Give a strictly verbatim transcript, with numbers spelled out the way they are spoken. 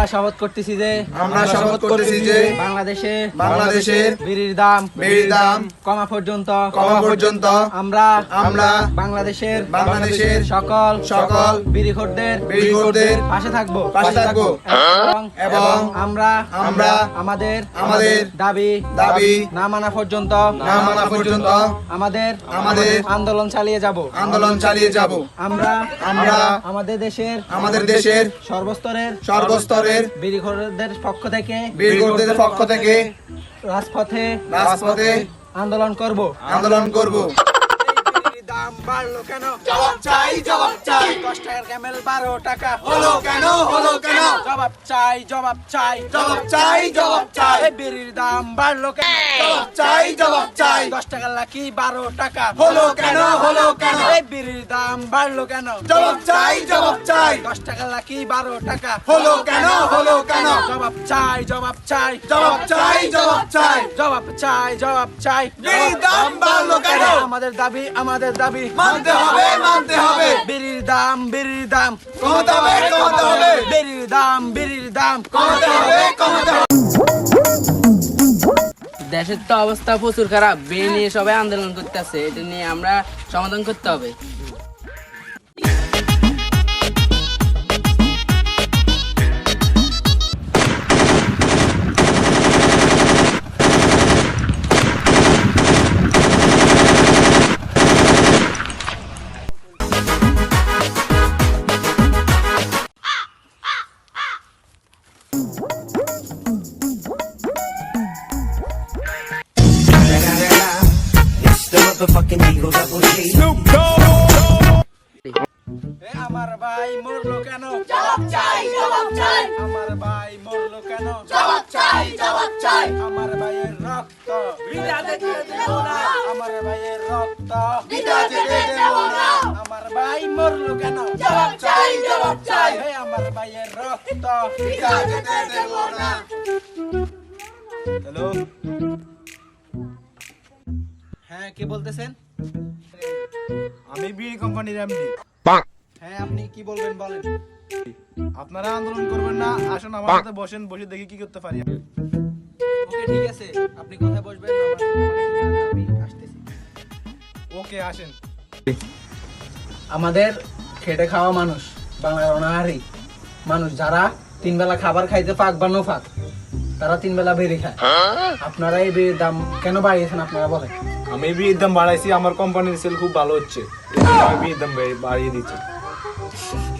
শপথ করতেছি যে আমরা শপথ করতেছি যে বাংলাদেশে বাংলাদেশের বিড়ির দাম বিড়ির দাম কমা পর্যন্ত কমা পর্যন্ত আমরা আমরা বাংলাদেশের বাংলাদেশের সকল সকল বিড়িখোরদের বিড়িখোরদের পাশে থাকবো পাশে থাকবো এবং এবং আমরা আমরা আমাদের আমাদের দাবি দাবি না মানা পর্যন্ত না মানা পর্যন্ত আমাদের আমাদের আন্দোলন চালিয়ে যাব আন্দোলন চালিয়ে যাব। আমরা আমরা আমাদের দেশের আমাদের দেশের সর্বস্তরের সর্বস্তরের বিড়িখোরদের পক্ষ থেকে বিড়িখোরদের পক্ষ থেকে রাজপথে রাজপথে আন্দোলন করব আন্দোলন করব। দাম বাড়লো কেন? জবাব চাই জবাব চাই দশ টাকার ক্যামেল বারো টাকা হলো কেন হলো কেন জবাব চাই জবাব চাই জবাব চাই জবাব চাই এই বিড়ির দাম বাড়লো কেন? জবাব চাই জবাব চাই দশ টাকার লাকি বারো টাকা হলো কেন হলো কেন এই বিড়ির দাম বাড়লো কেন? জবাব চাই জবাব চাই দশ টাকার লাকি বারো টাকা হলো কেন হলো কেন জবাব চাই জবাব চাই জবাব চাই জবাব চাই জবাব চাই জবাব চাই বিড়ির দাম বাড়লো কেন? আমাদের দাবি আমাদের দাবি মানতে হবে মানতে হবে বিড়ির দাম বিড়ির দাম কমাতে হবে কমাতে হবে বিড়ির দাম বিড়ির দাম কমাতে হবে কমাতে হবে। দেশের তো অবস্থা প্রচুর খারাপ, বিয়ে নিয়ে সবাই আন্দোলন করতেছে, এটা নিয়ে আমরা সমাধান করতে হবে। এ আমার ভাই মরলো কেন? জবাব চাই জবাব চাই আমার ভাই মরলো কেন? জবাব চাই জবাব চাই আমার ভাইয়ের রক্ত বিনা যেতে দেব না আমার ভাইয়ের রক্ত বিনা যেতে দেব না আমার ভাই মরলো কেন? জবাব চাই জবাব চাই এ আমার ভাইয়ের রক্ত বিনা যেতে দেব না। হ্যালো, হ্যাঁ কে বলতেছেন? আমি বিড়ি কোম্পানির এমডি। হ্যাঁ আপনি কি বলবেন বলেন। আপনারা আন্দোলন করবেন না, আসুন আমার সাথে বসেন, বসে দেখি কি করতে পারি। ওকে ঠিক আছে, আপনি কোথায় বসবেন? আমার আমি আসতেছি। ওকে আসেন। আমাদের খেটে খাওয়া মানুষ, বাংলার অনাহারী মানুষ, যারা তিন বেলা খাবার খাইতে পাক বা নো পাক, তারা তিন বেলা বেড়ে খায়। আপনারা এই বেড়ির দাম কেন বাড়িয়েছেন আপনারা বলেন। আমি বিড়ির দাম বাড়াইছি, আমার কোম্পানির সেল খুব ভালো হচ্ছে, আমি বিড়ির দাম বাড়িয়ে দিচ্ছি।